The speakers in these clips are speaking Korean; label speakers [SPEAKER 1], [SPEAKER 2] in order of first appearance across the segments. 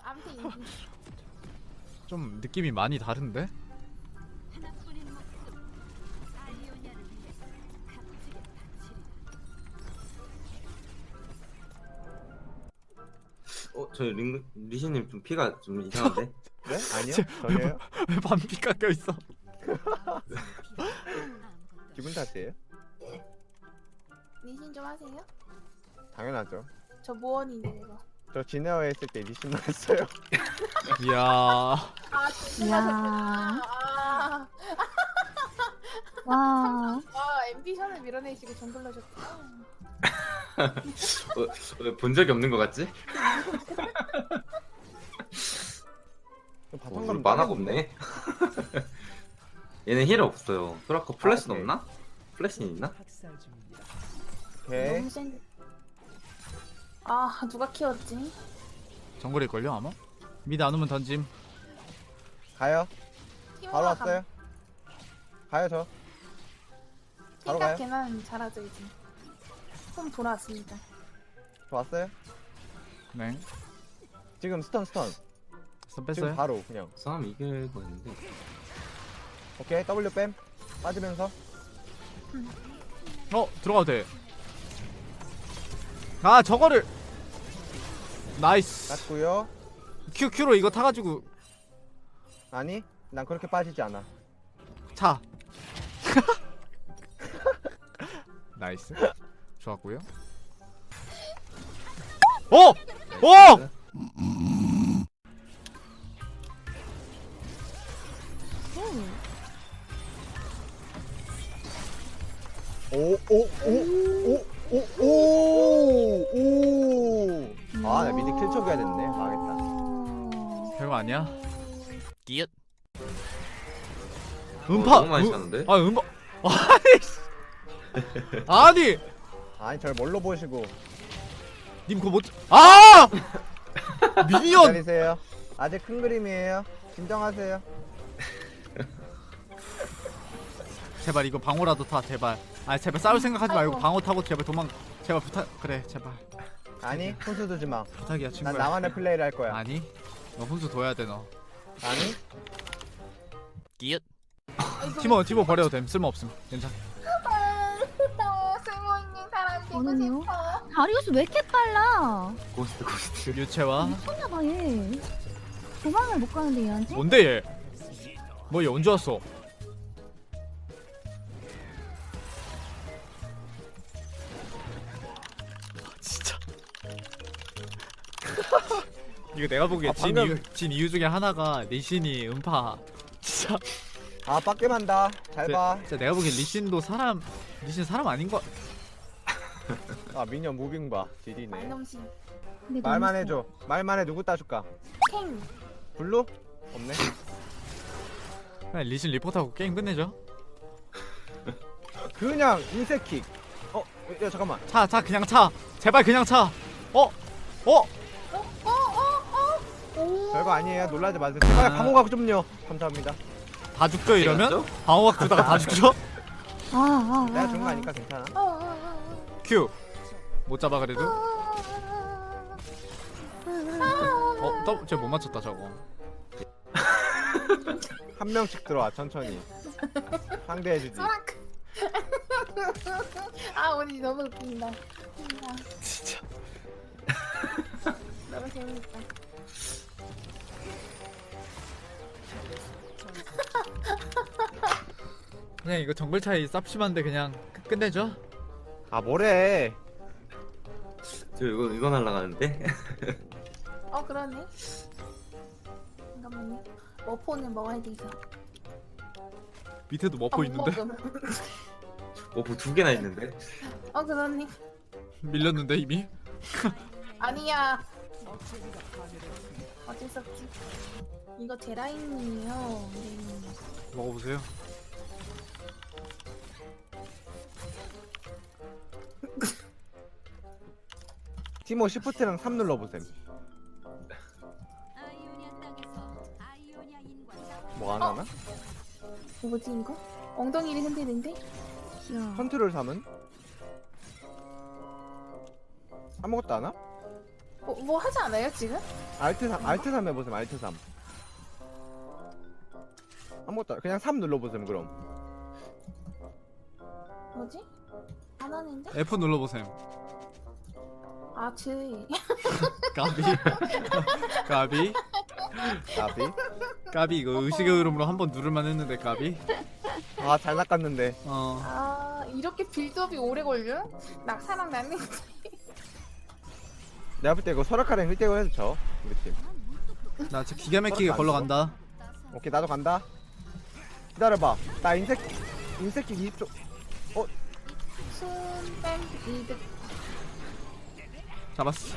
[SPEAKER 1] 암튼 인기.
[SPEAKER 2] 좀 느낌이 많이 다른데?
[SPEAKER 3] 저희 리시님 좀 피가 좀 이상한데?
[SPEAKER 4] 네? 아니요? 전혀요?
[SPEAKER 2] 왜 반피 깎여 있어?
[SPEAKER 4] 기분 탓이에요?
[SPEAKER 1] 리신 좀 하세요?
[SPEAKER 4] 당연하죠.
[SPEAKER 1] 저 모원인데 이거.
[SPEAKER 4] 저 진에어 했을 때 리신 나왔어요.
[SPEAKER 2] 이야.
[SPEAKER 1] 아 진짜
[SPEAKER 5] 이야.
[SPEAKER 1] 아,
[SPEAKER 5] 와.
[SPEAKER 1] 앰비션을 밀어내시고 정글러 줬구나.
[SPEAKER 3] 왜 본 적이 없는 것 같지?
[SPEAKER 4] 바텀
[SPEAKER 3] 우리 만화가 없네. 얘는 힐 없어요. 소라카 플래시는
[SPEAKER 4] 오케이.
[SPEAKER 3] 없나? 플래시는 있나?
[SPEAKER 4] 오케이.
[SPEAKER 1] 너무 센. 아 누가 키웠지?
[SPEAKER 2] 정글일걸요 아마? 미드 안 오면 던짐.
[SPEAKER 4] 가요.
[SPEAKER 1] 키워라
[SPEAKER 4] 바로 왔어요. 가요 저. 바로 가요.
[SPEAKER 1] 생각해는 잘하죠 이제. 좀 돌아왔습니다.
[SPEAKER 4] 저 왔어요.
[SPEAKER 2] 네.
[SPEAKER 4] 지금 스턴.
[SPEAKER 2] 스턴
[SPEAKER 4] 지금
[SPEAKER 2] 뺐어요?
[SPEAKER 4] 바로 그냥.
[SPEAKER 3] 싸움 이길 거 있는데.
[SPEAKER 4] 오케이 W 뺨. 빠지면서.
[SPEAKER 2] 들어가도 돼. 아 저거를. 나이스.
[SPEAKER 4] 땄고요.
[SPEAKER 2] Q로 이거 타가지고
[SPEAKER 4] 아니 난 그렇게 빠지지 않아.
[SPEAKER 2] 차. 나이스. 좋았고요. 어! 어!
[SPEAKER 4] 오오오오오오. 아나 미드 킬 쳐줘야 됐네. 망했다.
[SPEAKER 2] 별거 아니야. 끼읓.
[SPEAKER 3] 너무 많이 찼는데?
[SPEAKER 2] 음파. 아니.
[SPEAKER 4] 아니 절 뭘로 보시고.
[SPEAKER 2] 님 그거 못. 아! 미니언.
[SPEAKER 4] 기다리세요. 아직 큰 그림이에요. 진정하세요.
[SPEAKER 2] 제발 이거 방어라도 타 제발. 아 제발 싸울 생각하지 말고
[SPEAKER 1] 아이고.
[SPEAKER 2] 방어 타고 제발 도망. 제발 부탁. 그래 제발.
[SPEAKER 4] 아니 혼수 두지 마.
[SPEAKER 2] 부탁이야 친구야.
[SPEAKER 4] 난 나만의 플레이를 할 거야.
[SPEAKER 2] 아니. 너 혼수 둬야 돼 너.
[SPEAKER 4] 아니
[SPEAKER 2] 끼읓.
[SPEAKER 1] 아이고.
[SPEAKER 2] 티모 버려도 됨. 쓸모 없음. 괜찮.
[SPEAKER 1] 쓸모있는 사람 되고
[SPEAKER 5] 저는요?
[SPEAKER 1] 싶어.
[SPEAKER 5] 다리우스 왜 이렇게 빨라?
[SPEAKER 3] 고스트.
[SPEAKER 2] 유채화.
[SPEAKER 5] 미쳤나봐 얘. 도망을 못 가는데 얘한테?
[SPEAKER 2] 뭔데 얘? 뭐 얘 언제 왔어? 진짜. 이거 내가 보기에
[SPEAKER 4] 방금-
[SPEAKER 2] 진 이유 중에 하나가 리신이 음파. 진짜.
[SPEAKER 4] 아 빡겜한다. 잘 봐.
[SPEAKER 2] 진짜 내가 보기엔 리신 사람 아닌 거.
[SPEAKER 4] 아 미녀 무빙 봐. 지리네.
[SPEAKER 1] 말넘신.
[SPEAKER 5] 근데
[SPEAKER 4] 말만
[SPEAKER 5] 너무
[SPEAKER 4] 해줘. 말만 해. 누구 따줄까?
[SPEAKER 1] 캥.
[SPEAKER 4] 블루? 없네.
[SPEAKER 2] 그냥 리신 리포트하고 게임 끝내죠.
[SPEAKER 4] 그냥 인색킥. 야 잠깐만.
[SPEAKER 2] 차 그냥 차. 제발 그냥 차.
[SPEAKER 1] 오.
[SPEAKER 4] 별거 아니에요. 놀라지 마세요. 제발 방어각 좀요. 감사합니다.
[SPEAKER 2] 다 죽죠 이러면?
[SPEAKER 3] 맞죠?
[SPEAKER 2] 방어막 주다가 다 죽죠?
[SPEAKER 4] 내가 준 거 아니까 괜찮아.
[SPEAKER 2] 큐. 못 잡아 그래도. 쟤못 맞췄다 저거.
[SPEAKER 4] 한 명씩 들어와 천천히. 상대해주지.
[SPEAKER 1] 아 오늘 너무 웃긴다.
[SPEAKER 2] 진짜.
[SPEAKER 1] 너무 재밌다.
[SPEAKER 2] 그냥 이거 정글 차이 쌉심한데 그냥 끝내죠?
[SPEAKER 4] 아 뭐래.
[SPEAKER 3] 저 이거 날라가는데?
[SPEAKER 1] 그러네. 잠깐만요. 머포는 먹어야 돼서.
[SPEAKER 2] 밑에도 머포 있는데?
[SPEAKER 1] 먹음.
[SPEAKER 3] 뭐 두 개나 있는데?
[SPEAKER 1] 그러네.
[SPEAKER 2] 밀렸는데 이미?
[SPEAKER 1] 아니야. 어쩔 수 없지. 이거 제 라인이에요. 네.
[SPEAKER 2] 먹어보세요.
[SPEAKER 4] 티모 시프트랑 3 눌러보셈. 뭐 안 하나?
[SPEAKER 1] 뭐지 이거? 엉덩이를 흔드는데?
[SPEAKER 5] 귀여워.
[SPEAKER 4] 컨트롤 3은? 아무것도 안 하?
[SPEAKER 1] 뭐 하지 않아요 지금?
[SPEAKER 4] 알트 3 해보세요. 알트 3. 아무것도 그냥 3 눌러보세요. 그럼.
[SPEAKER 1] 뭐지? 안 하는데?
[SPEAKER 2] F 눌러보셈.
[SPEAKER 1] 아 즈이.
[SPEAKER 2] 까비. 까비.
[SPEAKER 4] 나비.
[SPEAKER 2] 까비 이거 의식의 흐름으로 한번 누를만 했는데 까비.
[SPEAKER 4] 아 잘 낚았는데.
[SPEAKER 1] 아 이렇게 빌드업이 오래 걸려? 낙사랑 나는
[SPEAKER 4] 내가 볼 때 이거 설악하랑 1대1 해서 져. 우리 팀.
[SPEAKER 2] 나 지금 기가 막히게 걸러 간다.
[SPEAKER 4] 오케이 나도 간다. 기다려봐. 나 인색기 20초.
[SPEAKER 1] 순뺀 이득.
[SPEAKER 2] 잡았어.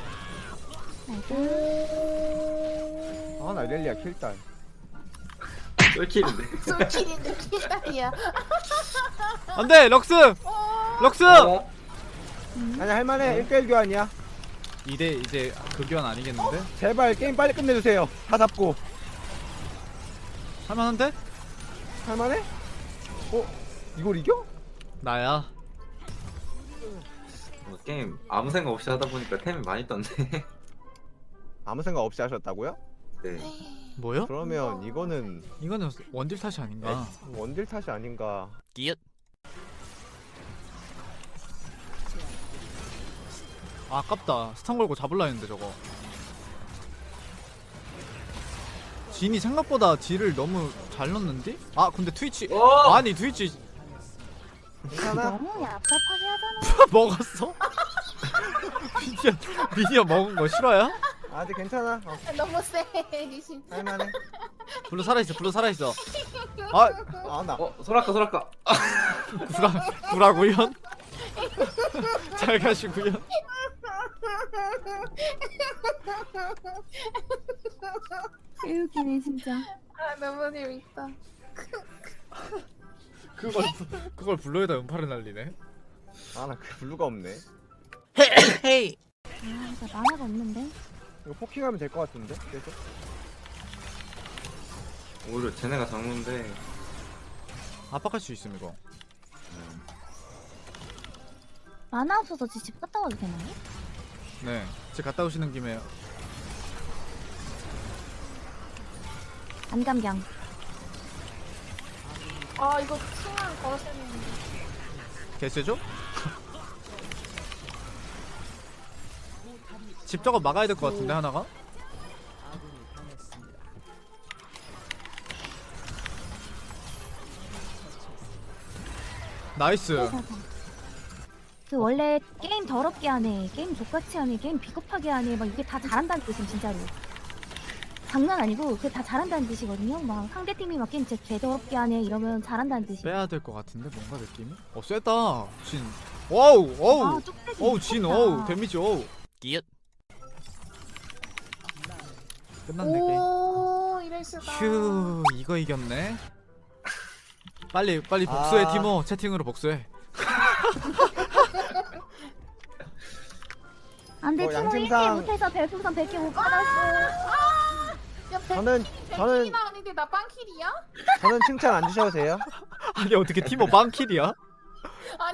[SPEAKER 1] 오.
[SPEAKER 4] 아나 렐리아 킬딸.
[SPEAKER 3] 쫄킬인데.
[SPEAKER 1] 솔킬인데 킬다리야.
[SPEAKER 2] 안돼 럭스. 럭스.
[SPEAKER 4] 아니 할만해. 1대1 교환이야.
[SPEAKER 2] 2대 이제 그 교환 아니겠는데?
[SPEAKER 4] 제발 게임 빨리 끝내주세요. 다 잡고.
[SPEAKER 2] 할만한데?
[SPEAKER 4] 할만해? 이걸 이겨?
[SPEAKER 2] 나야.
[SPEAKER 3] 게임 아무 생각 없이 하다 보니까 템이 많이 떴네.
[SPEAKER 4] 아무 생각 없이 하셨다고요?
[SPEAKER 3] 네.
[SPEAKER 2] 뭐요?
[SPEAKER 4] 그러면 이거는
[SPEAKER 2] 이거는 원딜 탓이 아닌가?
[SPEAKER 4] 원딜 탓이 아닌가.
[SPEAKER 2] 끼읓. 아, 아깝다. 스턴 걸고 잡을라 했는데 저거. 진이 생각보다 딜을 너무 잘 넣는데? 아 근데 트위치 아니 트위치
[SPEAKER 4] 괜찮아?
[SPEAKER 5] 너무 얍삽하게 하잖아.
[SPEAKER 2] 먹었어? 미니언 먹은 거 싫어요?
[SPEAKER 4] 아직 괜찮아.
[SPEAKER 1] 너무 세 리신.
[SPEAKER 4] 할만해.
[SPEAKER 2] 블루 살아있어 블루 살아있어. 아
[SPEAKER 4] 나.
[SPEAKER 3] 소라카.
[SPEAKER 2] 구라구연? 잘 가시구연.
[SPEAKER 5] 웃기네 진짜.
[SPEAKER 1] 아 너무 재밌다.
[SPEAKER 2] 그걸 블루에다 음파를 날리네.
[SPEAKER 4] 나 그 블루가 없네.
[SPEAKER 2] 헤이.
[SPEAKER 5] 아 진짜 만화가 없는데.
[SPEAKER 4] 이거 포킹하면 될 것 같은데? 계속?
[SPEAKER 3] 오히려 쟤네가 장문데.
[SPEAKER 2] 압박할 수 있음 이거.
[SPEAKER 5] 만화 없어서 집 갔다 와도 되나요?
[SPEAKER 2] 네. 집 갔다 오시는 김에
[SPEAKER 5] 안감경.
[SPEAKER 1] 아 이거 층을 걸었어야 했는데.
[SPEAKER 2] 개쎄죠? 집 저거 막아야 될 것 같은데 하나가? 나이스.
[SPEAKER 5] 그 원래 게임 더럽게 하네, 게임 족같이 하네, 게임 비겁하게 하네, 막 이게 다 잘한다는 뜻임 진짜로. 장난 아니고 그게 다 잘한다는 뜻이거든요. 막 상대팀이 막 게임 진짜 개더럽게 하네 이러면 잘한다는 뜻이.
[SPEAKER 2] 빼야 될 것 같은데 뭔가 느낌이? 쎄다. 진. 와우 어우.
[SPEAKER 5] 아, 뚝배기
[SPEAKER 2] 어우 진
[SPEAKER 5] 미쳤다.
[SPEAKER 2] 어우 데미지 어우. 끼읓. 끝났네 게임.
[SPEAKER 1] 오 이럴 수가.
[SPEAKER 2] 휴 이거 이겼네. 빨리 복수해
[SPEAKER 4] 아.
[SPEAKER 2] 티모. 채팅으로 복수해.
[SPEAKER 5] 안돼 팀원 1킬
[SPEAKER 4] 양심상-
[SPEAKER 5] 못해서 별풍선 100개 못 받았어.
[SPEAKER 1] 야
[SPEAKER 4] 저는
[SPEAKER 1] 백킬이나 아닌데 나 빵킬이야?
[SPEAKER 4] 저는 칭찬 안 주셔도 돼요.
[SPEAKER 2] 아니 어떻게 티모 빵킬이야?
[SPEAKER 1] 아니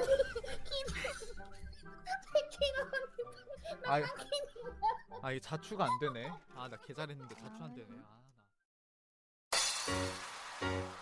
[SPEAKER 1] 백킬은
[SPEAKER 2] 아, 아 이게 자추가 안 되네. 아 나 개 잘했는데 자추 안 되네. 아 나.